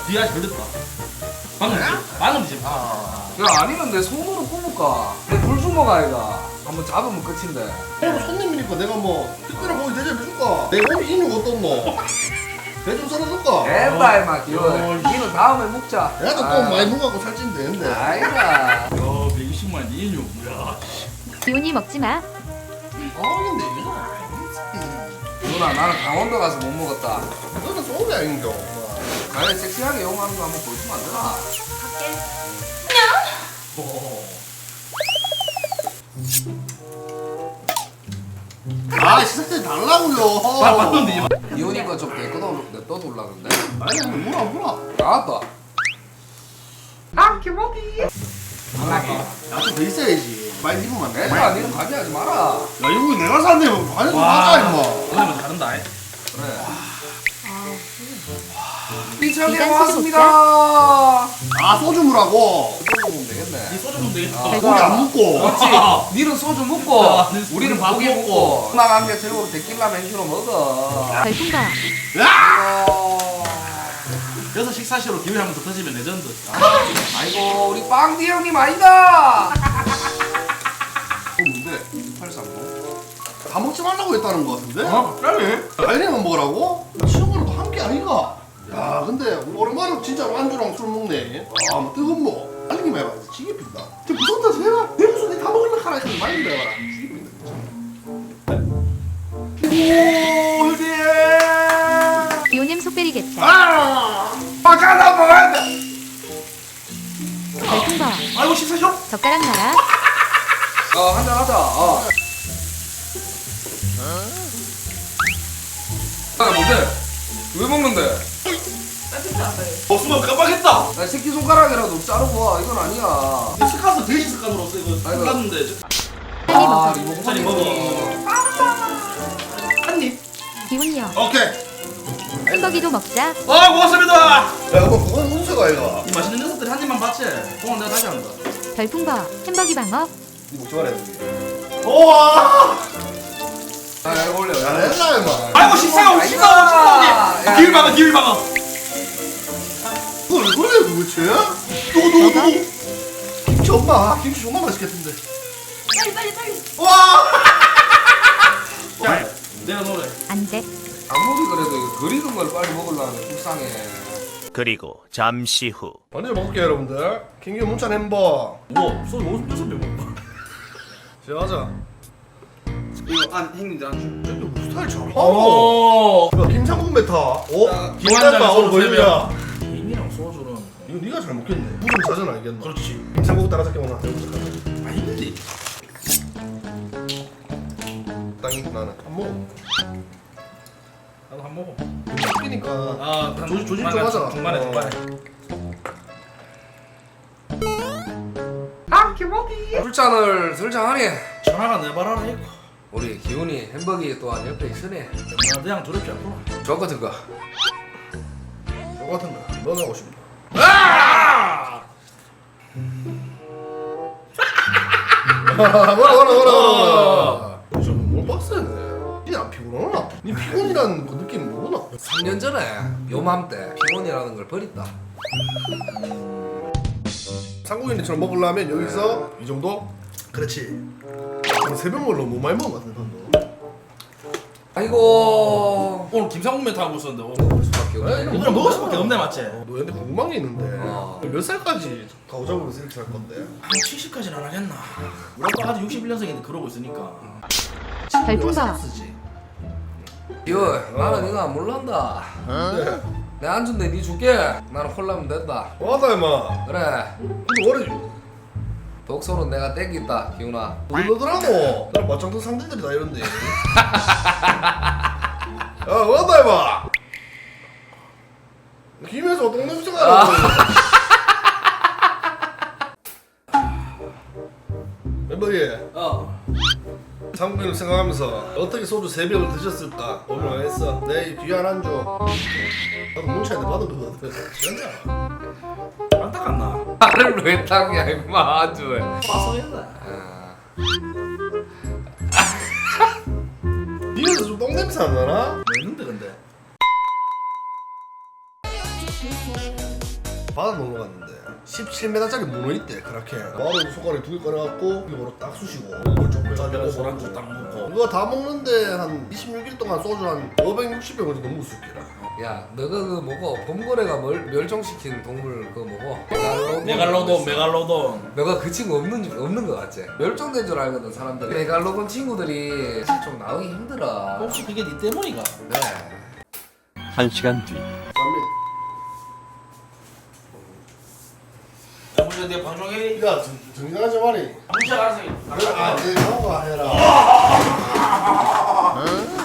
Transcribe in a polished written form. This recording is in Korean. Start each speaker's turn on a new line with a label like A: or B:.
A: 뒤에 아직 걸렸다. 방금 지금.
B: 야 아니면 내 손으로 꼽을까? 내 불주먹 아이가 한번 잡으면 끝인데.
C: 그리고 손님이니까 내가 뭐 특별한 고기 대접해줄까? 내 몸이 인육 어떻노? 배좀 썰어줄까?
B: 된다 임마 기원. 니는 다음에 먹자.
C: 내가 또 많이 먹어갖고 살찌면 되는데.
B: 아이가.
A: 야 120만 원 이인용. 야.
D: 기훈이 먹지 마.
C: 근데 이거
B: 누나 나는 강원도 가서 못 먹었다.
C: 이거는 소울이 아닌겨.
B: 가에 섹시하게 용하는 거 한번 보여주면 안 되나?
C: 시작대 달라고요.
A: 맞는데
B: 기훈이 거좀 냅둬둘라는데.
C: 아니 뭐라.
B: 나왔다.
C: 나도 더 있어야지. 많이 입으면 안 돼.
B: 애들아 니는 가게하지 마라.
C: 야 이거 내가 샀네. 관심
A: 와.
C: 맞아 임마.
A: 오늘만 다른다.
B: 그래. 이천에
D: 이간
B: 왔습니다.
C: 소주물하고.
B: 소주 먹으면 되겠네.
A: 이 소주 먹으면 되겠다.
C: 고기 안 먹고.
B: 그렇지. 니는 소주 먹고
A: 아,
B: 우리는
A: 밥
B: 고기
A: 먹고.
B: 먹고 나 남겨 들고 데킬라 맨슈로 먹어.
D: 별풍가.
B: 아이고.
A: 여기서 식사시로 기회 한번 더 터지면 레전드.
B: 아이고 우리 빵디 형님 아니다.
C: 뭔데? 830? 다 먹지 말라고 했다는 거 같은데?
A: 그래?
C: 갈리만 먹으라고? 친구랑도 함께 아니가? 야 근데 오랜만에 진짜로 안주랑 술 먹네. 뭐 뜨거운 뭐 알기만 해봐. 지게 핀다. 저 무섭다 제가 내 무슨 내다 먹으려고 하라 했더니 많이 해봐라. 지게 핀다 진짜. 오 예.
D: 기훈님 속 베리겠다.
B: 아까나 먹어야 돼.
D: 별풍가.
A: 아이고 식사시로?
D: 젓가락 놔라.
B: 한잔 하자. 뭔데? 왜 먹는데?
A: 수만 깜빡했다.
B: 나 새끼 손가락이라도 자르고 와. 이건 아니야.
A: 스카스 돼지 스카스로서 이거
B: 아이고.
A: 깠는데.
D: 빨리 먹어.
A: 천천히 먹어. 한입.
D: 기훈이 형.
C: 오케이.
D: 햄버기도 먹자.
A: 고맙습니다.
C: 야 이거 그건 운세가 이거.
A: 이 맛있는 녀석들이 한 입만 받지. 오늘 내가 다시 한다.
D: 별풍가. 햄버기 방어.
C: 니 먹지 말아야 돼. 우와.
B: 이거 올려.
C: 잘했나 임마.
A: 아이고 식사가 식사가 기울 막아 기울 막아.
C: 그걸 왜 그래 도대체? 누구? 김치 엄마. 김치 정말 맛있겠던데.
D: 빨리.
C: 와.
A: 야 내가 노래.
D: 안 돼.
B: 아무리 그래도 이거 그리는 걸 빨리 먹으려면 불쌍해.
E: 그리고 잠시 후
C: 먼저 먹을게요 여러분들. 김규 문찬 햄버.
A: 뭐 소주 56명 먹어.
C: 시작하자.
A: 이거 안 형님들 안 줘.
C: 이거 스타일 잘하노.
A: 오.
C: 이거 김창국 메타.
A: 김한장
C: 오늘
A: 소주
C: 보여주냐.
A: 김이랑 소주는.
C: 이거 네가 잘 먹겠네. 무슨 자전 알겠나.
A: 그렇지.
C: 김창국 따라잡기 오나.
A: 아닌데.
C: 땅이 나는 안 먹어.
A: 나도 한 먹어.
C: 웃기니까.
A: 아
C: 조심 좀 하자.
A: 중간에.
B: 술잔을 설정하니.
A: 전화가 내봐라 했고.
B: 우리 기훈이 햄버기 또한 옆에 있으니.
A: 나 그냥 두렵지 않구나.
B: 저 같은 거.
C: 똑같은 거. 너는 하고 싶다. 뭐라. 너무 빡세네. 니안 피곤하나? 니 피곤이라는 그 느낌 모르나?
B: 3년 전에 요맘때 피곤이라는 걸 버렸다.
C: 상국인처럼 먹으려면 여기서 이 정도? 그렇지. 새벽 먹으려 너무 많이 먹은 것 같은데 너.
B: 아이고.
A: 오늘 김상국 멘트 하고 있었는데.
B: 먹을 수밖에 없네.
A: 오늘 먹을 수밖에 없네 맞지?
C: 너 근데 궁금한 게 있는데 몇 살까지 가오잡으로 이렇게 살 건데?
A: 한 70까지는 안 하겠나? 우리 아빠 아직 61년생인데 그러고 있으니까.
D: 별풍가.
A: 쓰지.
B: 기훈, 나는 이거 안 몰란다.
C: 네.
B: 내 안준대 니 줄게. 나는 콜라면 된다.
C: 와다 임마.
B: 그래.
C: 근데 원래
B: 독소는 내가 땡긴다, 기훈아.
C: 너더라고. 나랑 맞짱뜬 상대들이 다 이런데. 야 와다 임마. 김에서 똥냄새가 나. 멤버이 상국인을 생각하면서 어떻게 소주 3병을 드셨을까 고민을 했어. 내 귀한 안주 나도 뭉쳐야 돼 받은 거거든. 괜찮아.
A: 안 닦았나?
B: 나를 왜 닦냐, 임마, 아주.
A: 빠서했나?
C: 니네도 좀 똥냄새 안 나나?
A: 왜 있는데 근데?
C: 바다 놀러 갔는데 17m짜리 문어 있대 그렇게 바로 손가락에 2개 꺼내갖고 이거로 딱 쑤시고 목을 좀
A: 내가
C: 빼가지고
A: 소란주 딱 먹고.
C: 그거 다 먹는데 한 26일 동안 소주 한 560병 정도 묵었을게라.
B: 야 너가 그 뭐고 범거래가 멸종시킨 동물 그거 뭐고
A: 메갈로돈.
B: 너가 그 친구 없는 거 같지? 멸종된 줄 알거든 사람들이. 메갈로돈 친구들이 사실 좀 나오기 힘들어.
A: 혹시 그게 니 때문이가?
B: 네.
E: 1시간 뒤.
A: 야, 먼저 내 방송에
C: 야 정리하지 말이.
A: 문자 알아서.
C: 내 형아 해라.